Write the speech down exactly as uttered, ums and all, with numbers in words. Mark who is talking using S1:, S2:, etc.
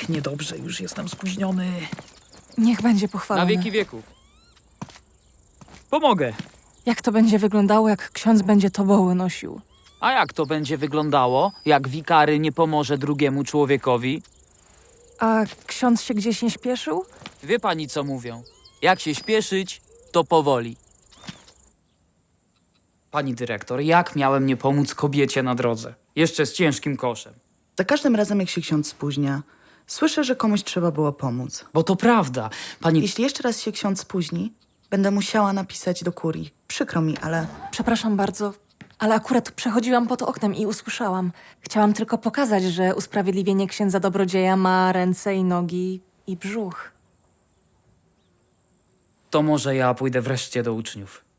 S1: niedobrze, już jestem spóźniony.
S2: Niech będzie
S1: Na
S2: pochwalony.
S1: wieki wieków. Pomogę.
S2: Jak to będzie wyglądało, jak ksiądz będzie toboły nosił?
S3: A jak to będzie wyglądało, jak wikary nie pomoże drugiemu człowiekowi?
S2: A ksiądz się gdzieś nie śpieszył?
S3: Wie pani, co mówią. Jak się śpieszyć, to powoli. Pani dyrektor, jak miałem nie pomóc kobiecie na drodze? Jeszcze z ciężkim koszem.
S4: Za każdym razem, jak się ksiądz spóźnia, słyszę, że komuś trzeba było pomóc.
S3: Bo to prawda. Pani...
S4: Jeśli jeszcze raz się ksiądz spóźni, będę musiała napisać do kurii. Przykro mi, ale
S2: Przepraszam bardzo, ale akurat przechodziłam pod oknem i usłyszałam. Chciałam tylko pokazać, że usprawiedliwienie księdza dobrodzieja ma ręce i nogi i brzuch.
S3: To może ja pójdę wreszcie do uczniów.